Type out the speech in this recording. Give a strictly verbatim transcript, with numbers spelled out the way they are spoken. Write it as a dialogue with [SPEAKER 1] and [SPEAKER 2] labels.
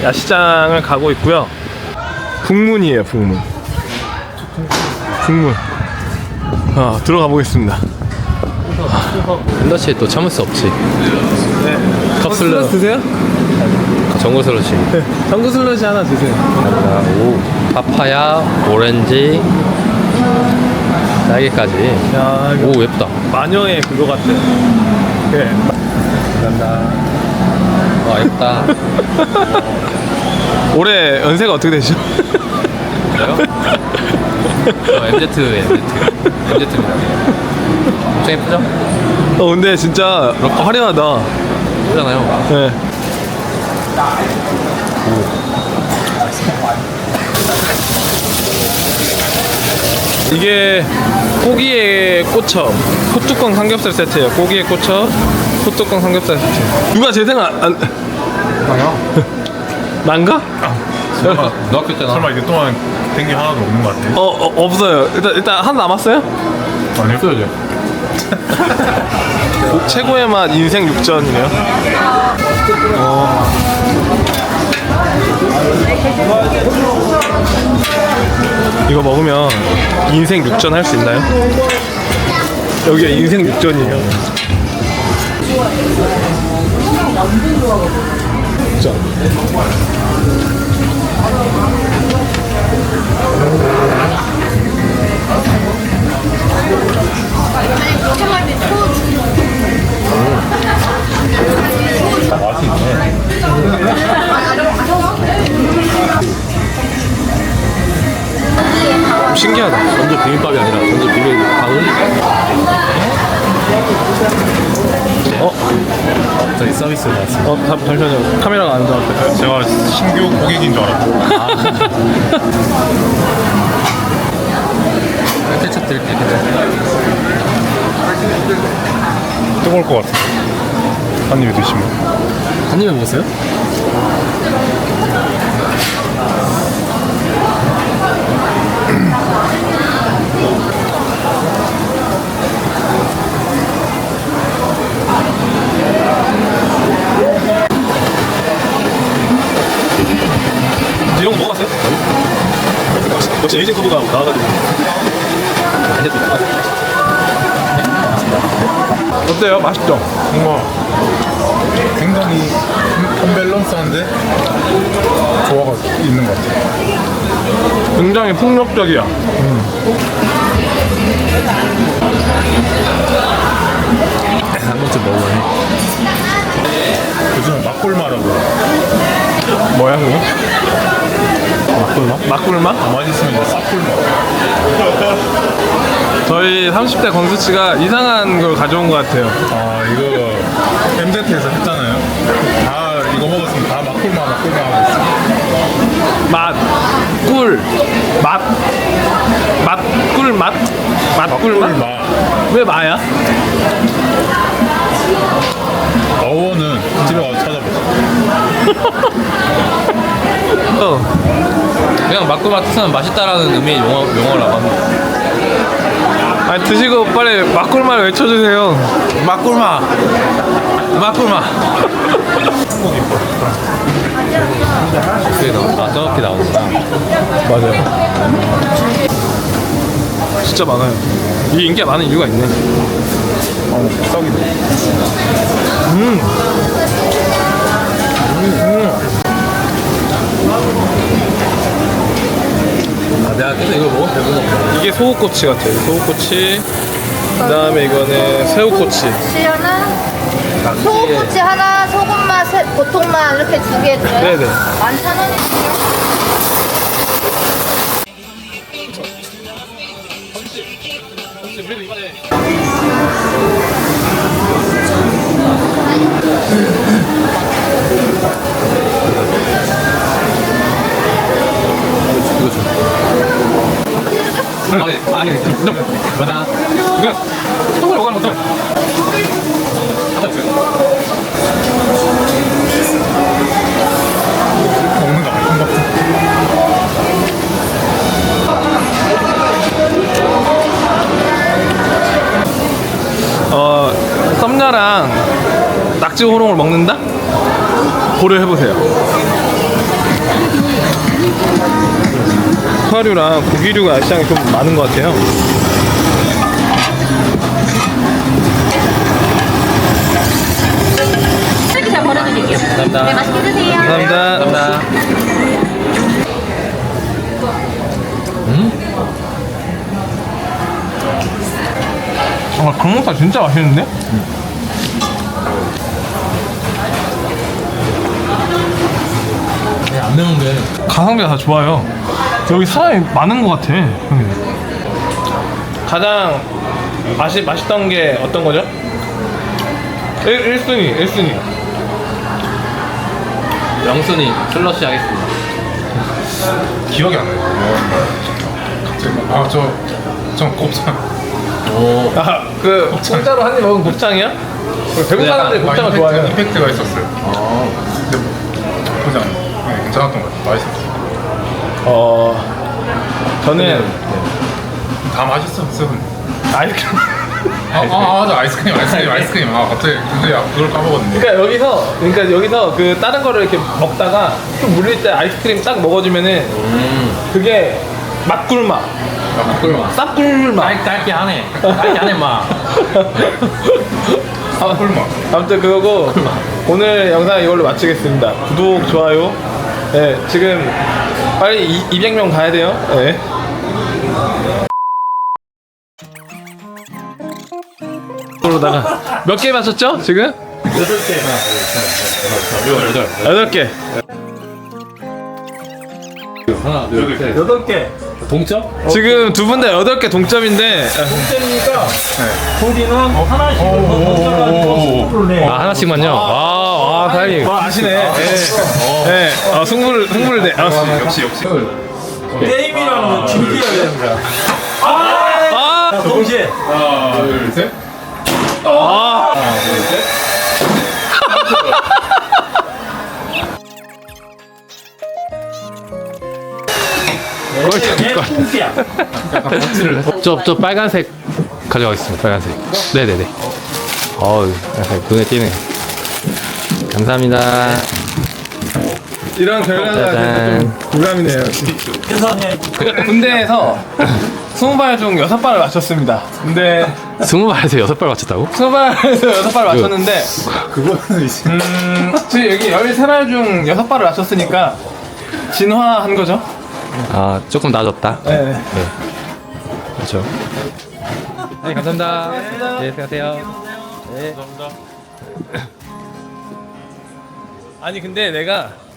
[SPEAKER 1] 야시장을 가고 있고요. 북문이에요, 북문. 북문. 아, 들어가 보겠습니다.
[SPEAKER 2] 슬러시 또 참을 수 없지.
[SPEAKER 1] 네.
[SPEAKER 2] 컵
[SPEAKER 1] 슬러시 드세요?
[SPEAKER 2] 전골 슬러시.
[SPEAKER 1] 네. 전구 슬러시 하나 드세요.
[SPEAKER 2] 오, 파파야, 오렌지, 딸기까지.
[SPEAKER 1] 야, 이거
[SPEAKER 2] 오, 예쁘다.
[SPEAKER 1] 마녀의 그거 같아. 네. 감사합니다.
[SPEAKER 2] 와, 예쁘다.
[SPEAKER 1] 올해 연세가 어떻게 되시죠?
[SPEAKER 2] 그래요? 저 엠제트예요, 엠제트. 엠제트입니다. 엄청 예쁘죠?
[SPEAKER 1] 어, 근데 진짜 화려하다.
[SPEAKER 2] 예쁘잖아요.
[SPEAKER 1] 네. 이게 고기에 꽂혀 호뚜껑 삼겹살 세트예요. 고기에 꽂혀 호뚜껑 삼겹살 세트. 누가 제 생각 안?
[SPEAKER 2] 나요?
[SPEAKER 1] 난가?
[SPEAKER 2] 너, 너 학교 때나?
[SPEAKER 3] 설마 이게 동안 된 게 하나도 없는 것 같아?
[SPEAKER 1] 어, 어 없어요. 일단 일단 하나 남았어요?
[SPEAKER 3] 아니요?
[SPEAKER 2] 없어야죠.
[SPEAKER 1] 최고의 맛 인생 육전이네요. 어. 이거 먹으면 인생 육전 할 수 있나요? 여기가 인생 육전이에요. 자.
[SPEAKER 3] 맛이 있네.
[SPEAKER 1] 신기하다.
[SPEAKER 2] 전주 비빔밥이 아니라 전주 비빔밥은
[SPEAKER 1] 어?
[SPEAKER 3] 저희 서비스로 나왔습니다.
[SPEAKER 1] 어, 잠- 잠시만요. 카메라가 안 잡았어요.
[SPEAKER 3] 제가 신규 고객인 줄 알았고.
[SPEAKER 2] 케첩 드릴게요.
[SPEAKER 3] 뜨거울 것 같아. 한 입에 드시면.
[SPEAKER 2] 한 입에 먹었어요?
[SPEAKER 1] 이런 거 먹어봤어요? 역시 에이징 커브가 나와가지고. 어때요? 맛있죠?
[SPEAKER 3] 뭔가 굉장히 언밸런스한데 조화가 있는 것 같아.
[SPEAKER 1] 굉장히 폭력적이야.
[SPEAKER 2] 한 번쯤 먹어보네.
[SPEAKER 3] 요즘 막골마라고.
[SPEAKER 1] 뭐야 그거?
[SPEAKER 3] 막골마?
[SPEAKER 1] 막굴맛?
[SPEAKER 3] 가만히 있으면 이제 싹골마.
[SPEAKER 1] 저희 삼십 대 광수 씨가 이상한 걸 가져온 것 같아요.
[SPEAKER 3] 아 이거 엠제트에서 했잖아요. 다 이거 먹었으면 다 막골마 막골마 하고 있어.
[SPEAKER 1] 맛, 꿀, 맛, 맛, 꿀, 맛, 맛, 꿀, 맛.
[SPEAKER 3] 막골마.
[SPEAKER 1] 왜 마야?
[SPEAKER 3] 어원은 집에 가서 찾아보자.
[SPEAKER 1] 어.
[SPEAKER 2] 그냥 막고맛 뜻은 맛있다라는 의미의 용어, 용어라고 합니다.
[SPEAKER 1] 아니 드시고 빨리 막꿀맛 외쳐주세요.
[SPEAKER 2] 막골마! 막골마! 그게 나온다. 저렇게 나오구나.
[SPEAKER 1] 맞아요. 진짜 많아요. 이 인기가 많은 이유가 있네.
[SPEAKER 3] 어, 썩이네.
[SPEAKER 1] 음.
[SPEAKER 2] 아, 내가 계속 이걸 먹으면 배부르다.
[SPEAKER 1] 이게 소고꼬치 같아요. 소고꼬치. 그 다음에 이거는 새우꼬치.
[SPEAKER 4] 시연은 소고꼬치 하나, 소금맛, 세- 보통맛 이렇게 두 개 드려요?
[SPEAKER 1] 네네.
[SPEAKER 4] 만천 원이요.
[SPEAKER 2] 이거 줘. 아니, 아니, 뭐나? 이거, 똥을 먹으면 똥.
[SPEAKER 3] 먹는 거 아닌 것 같아.
[SPEAKER 1] 어, 썸녀랑 낙지 호롱을 먹는다? 고려해보세요. 소화류랑 고기류가 시장에 좀 많은 것 같아요.
[SPEAKER 5] 쓰레기 잘 버려드릴게요.
[SPEAKER 2] 감사합니다.
[SPEAKER 5] 네, 맛있게 드세요.
[SPEAKER 1] 감사합니다.
[SPEAKER 2] 감사합니다.
[SPEAKER 1] 아, 강목살 진짜 맛있는데?
[SPEAKER 2] 안 매운데.
[SPEAKER 1] 가성비가 다 좋아요. 여기 사람이 많은 것 같아. 형님. 가장 맛이 맛있던 게 어떤 거죠? 일 순위, 일 순위.
[SPEAKER 2] 영순이 슬러시 하겠습니다.
[SPEAKER 3] 기억이 안 나요. 갑자기 아저저 곱창.
[SPEAKER 2] 오.
[SPEAKER 1] 아, 그 공짜로 한 입 먹은 곱창이야? 대부분 사람들이
[SPEAKER 3] 아,
[SPEAKER 1] 곱창을
[SPEAKER 3] 임팩트,
[SPEAKER 1] 좋아해요.
[SPEAKER 3] 임팩트가 있었어요.
[SPEAKER 2] 아.
[SPEAKER 3] 근데 뭐, 나쁘지 않아요. 네, 괜찮았던 것 같아요. 맛있었어요.
[SPEAKER 1] 어, 저는
[SPEAKER 3] 다 맛있었어요.
[SPEAKER 1] 아이스크림.
[SPEAKER 3] 아, 아, 맞아. 아이스크림, 아이스크림, 아이스크림. 아, 갑자기 근데 아, 그걸 까먹었네.
[SPEAKER 1] 그러니까 여기서 그러니까 여기서 그 다른 거를 이렇게 먹다가 좀 물릴 때 아이스크림 딱 먹어주면은
[SPEAKER 2] 음.
[SPEAKER 1] 그게 맛꿀맛,
[SPEAKER 3] 아, 꿀맛.
[SPEAKER 1] 쌉꿀맛.
[SPEAKER 2] 깔, 깔게 하네. 깔게 하네, 막.
[SPEAKER 1] 아,
[SPEAKER 3] 꿀맛.
[SPEAKER 1] 아무튼 그거고 오늘 영상 이걸로 마치겠습니다. 구독, 좋아요. 네, 지금 빨리 이, 이백 명 가야 돼요. 네. 그러다가 몇 개 맞췄죠? 지금? 여덟 개.
[SPEAKER 2] 하나, 둘, 셋.
[SPEAKER 1] 여덟 개.
[SPEAKER 2] 동점?
[SPEAKER 1] 지금 두 분 다 여덟 개 동점인데
[SPEAKER 2] 아, 하나씩만요? 아, 아, 다행히.
[SPEAKER 1] 아, 아시네. 네. 네. 아, 승부를 승부를 내. 아,
[SPEAKER 3] 역시, 역시.
[SPEAKER 6] 게임이라는 건 준비해야 되는 거야.
[SPEAKER 1] 아,
[SPEAKER 6] 자, 동시에.
[SPEAKER 3] 하나, 둘, 셋.
[SPEAKER 1] 아.
[SPEAKER 3] 하나, 둘, 셋.
[SPEAKER 6] 얘 꽁지야.
[SPEAKER 2] 저, 저 빨간색 가져가겠습니다. 빨간색. 네네네. 어우, 약간 눈에 띄네. 감사합니다.
[SPEAKER 1] 이런 결과가
[SPEAKER 2] 짜잔.
[SPEAKER 1] 좀 부담이네요.
[SPEAKER 6] 세상에.
[SPEAKER 1] 군대에서 스무 발 중 여섯 발을 맞췄습니다. 근데
[SPEAKER 2] 스무 발에서 여섯 발 맞췄다고?
[SPEAKER 1] 스무 발에서 여섯 발 맞췄는데
[SPEAKER 3] 그거는 이제.
[SPEAKER 1] 음, 지금 여기 열세 발 중 여섯 발을 맞췄으니까 진화한 거죠?
[SPEAKER 2] 아, 조금 나아졌다.
[SPEAKER 1] 네.
[SPEAKER 2] 그렇죠. 네, 감사합니다. 네, 수고하세요.
[SPEAKER 1] 아니 근데 내가